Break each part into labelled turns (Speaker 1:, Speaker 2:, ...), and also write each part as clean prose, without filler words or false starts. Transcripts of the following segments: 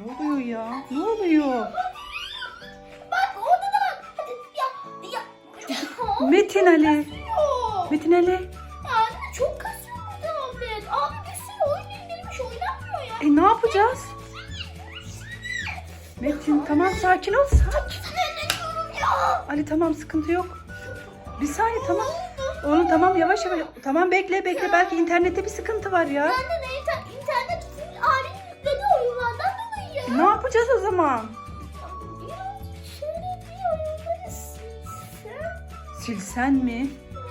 Speaker 1: Ne oluyor ya? Ne oluyor?
Speaker 2: Bak orada da bak. Hadi ya.
Speaker 1: Metin Ali.
Speaker 2: Kasıyor.
Speaker 1: Metin Ali.
Speaker 2: Ya anne çok kasıyor bu tablet. Abi bir sürü oyun indirmiş oynanmıyor ya.
Speaker 1: Ne yapacağız? Metin tamam sakin ol sakin.
Speaker 2: Sinirleniyorum ya.
Speaker 1: Ali tamam sıkıntı yok. Bir saniye tamam. Oğlum tamam yavaş yavaş. Tamam bekle belki internette bir sıkıntı var ya.
Speaker 2: Anne ne internet abinin yüklediği oyunlardan dolayı ya.
Speaker 1: Ne yapacağız o zaman?
Speaker 2: Birazcık şöyle bir oyunları silsem.
Speaker 1: Silsen mi?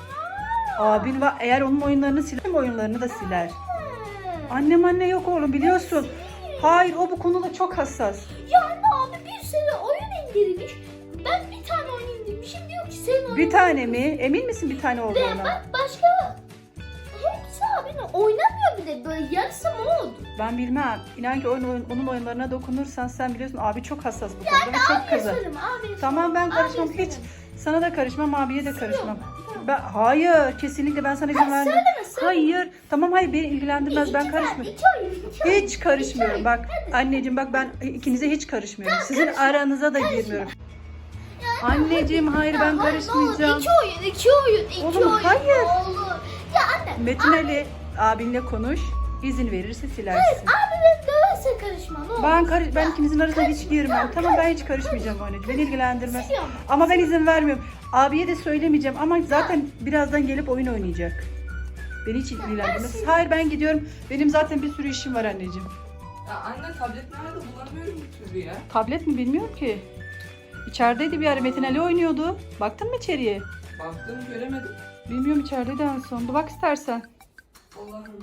Speaker 1: Abin var. Eğer onun oyunlarını siler oyunlarını da siler. Anne yok oğlum biliyorsun. Hayır o bu konuda çok hassas.
Speaker 2: Ya anne abi bir sürü oyun indirmiş. Ben bir tane oyun indirmişim diyor ki senin oyun.
Speaker 1: Bir tane mi? Emin misin bir tane
Speaker 2: Ve
Speaker 1: olduğuna?
Speaker 2: bak başka hepsi abinin oynamıyor bile böyle yarısı mod.
Speaker 1: Ben bilmem. İnan ki onun oyunlarına dokunursan sen biliyorsun abi çok hassas bu konuda ve çok
Speaker 2: Abiye
Speaker 1: kızar.
Speaker 2: sorayım abiye
Speaker 1: Tamam ben
Speaker 2: sorayım.
Speaker 1: karışmam
Speaker 2: Abiye
Speaker 1: hiç.
Speaker 2: sorayım.
Speaker 1: Sana da karışmam abiye de karışmam.
Speaker 2: Tamam.
Speaker 1: Hayır kesinlikle ben sana izin vermem.
Speaker 2: Söyleme.
Speaker 1: Hayır. Tamam hayır beni ilgilendirmez ben karışmıyorum.
Speaker 2: İki oyun.
Speaker 1: Hiç karışmıyorum. Bak anneciğim bak ben ikinize hiç karışmıyorum. Sizin aranıza da girmiyorum. Anneciğim hayır ben karışmayacağım.
Speaker 2: İki oyun.
Speaker 1: Oğlum, hayır.
Speaker 2: Ne olur. Ya anne.
Speaker 1: Metin Ali abinle konuş. İzin verirse silersin.
Speaker 2: Abi benim döverse karışma ne olur.
Speaker 1: Ben ikinizin arasına hiç girmem. Tamam ben hiç karışmayacağım anneciğim. Beni ilgilendirmez.
Speaker 2: Siliyorum.
Speaker 1: Ama ben izin vermiyorum. Abiye de söylemeyeceğim ama zaten birazdan gelip oyun oynayacak. Beni hiç ilgilendirmez. Hayır ben gidiyorum. Benim zaten bir sürü işim var anneciğim.
Speaker 3: Ya anne tablet nerede bulamıyorum bir türlü ya.
Speaker 1: Tablet mi bilmiyorum ki. İçerideydi bir ara Metin Ali oynuyordu. Baktın mı içeriye?
Speaker 3: Baktım göremedim.
Speaker 1: Bilmiyorum içerideydi en son. Bir bak istersen.
Speaker 3: Allah'ım.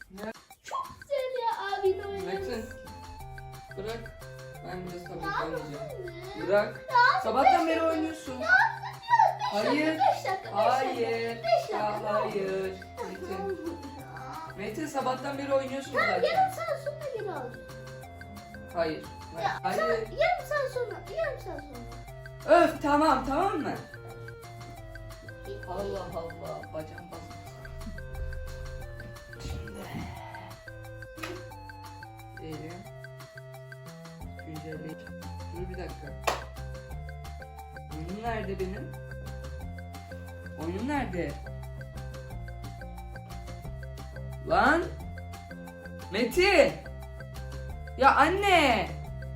Speaker 2: Güzel ya abinin oyunu.
Speaker 3: Metin. Bırak. Ben biraz tablet oynayacağım. Bırak. Sabahtan beri oynuyorsun. Hayır.
Speaker 2: 5 dakika.
Speaker 3: Hayır.
Speaker 2: Beş
Speaker 3: Ya
Speaker 2: dakika.
Speaker 3: hayır. Metin. Metin sabahtan beri oynuyorsun zaten.
Speaker 2: Yarım saat sonra geri alacağım.
Speaker 3: Hayır. Hayır.
Speaker 2: Yarım saat sonra.
Speaker 3: Öf tamam mı? Allah Allah. Bacağım basmış. Şimdi. Diyelim. Güncelleyici. Dur bir dakika. Oyunum nerede benim? Oyunum nerede? Lan! Meti! Ya anne!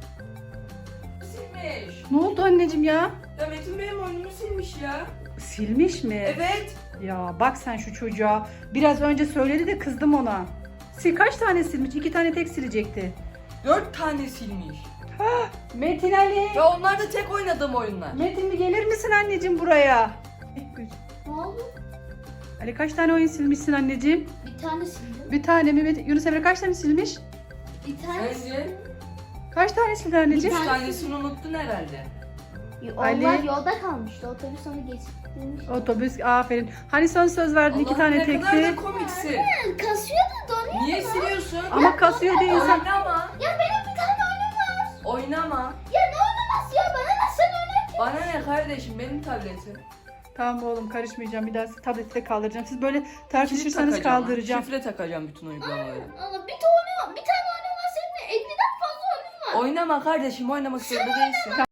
Speaker 3: Silmiş.
Speaker 1: Ne oldu anneciğim ya?
Speaker 3: Ya Metin benim oyunumu silmiş ya.
Speaker 1: Silmiş mi?
Speaker 3: Evet.
Speaker 1: Ya bak sen şu çocuğa. Biraz önce söyledi de kızdım ona. Kaç tane silmiş? 2 tane tek silecekti.
Speaker 3: 4 tane silmiş.
Speaker 1: Metin Ali.
Speaker 3: Ya onlar da tek oynadığım oyunlar.
Speaker 1: Metin bir gelir misin anneciğim buraya?
Speaker 2: Ne oldu?
Speaker 1: Ali kaç tane oyun silmişsin anneciğim?
Speaker 2: Bir tane sildim.
Speaker 1: Bir tane mi? Yunus Emre kaç tane silmiş?
Speaker 2: Bir tane
Speaker 3: Sence?
Speaker 1: Kaç tane sildi anneciğim?
Speaker 3: 3 tanesini unuttun herhalde.
Speaker 1: Ali.
Speaker 2: Onlar yolda kalmıştı. Otobüs onu geçirmiş.
Speaker 1: Otobüs aferin. Hani son söz verdin 2 tane
Speaker 3: ne kadar da
Speaker 1: tekti.
Speaker 3: komiksin.
Speaker 2: Kasıyordu donuyor.
Speaker 3: Niye siliyorsun?
Speaker 1: Ama kasıyor diye insan.
Speaker 3: Oynama.
Speaker 2: Ya benim bir tane oyunum var.
Speaker 3: Oynama.
Speaker 2: Ya ne oynaması ya? Bana ne sen oyna?
Speaker 3: Bana ne kardeşim benim tabletim.
Speaker 1: Tamam oğlum karışmayacağım. Bir daha tableti de kaldıracağım. Siz böyle tartışırsanız
Speaker 3: Şifre takacağım.
Speaker 1: kaldıracağım.
Speaker 3: Şifre takacağım bütün uygulamaları.
Speaker 2: Allah bir tane oyun var. Senin 50'den fazla oyunun var.
Speaker 3: Oynama kardeşim oynamak zorunda değilsin.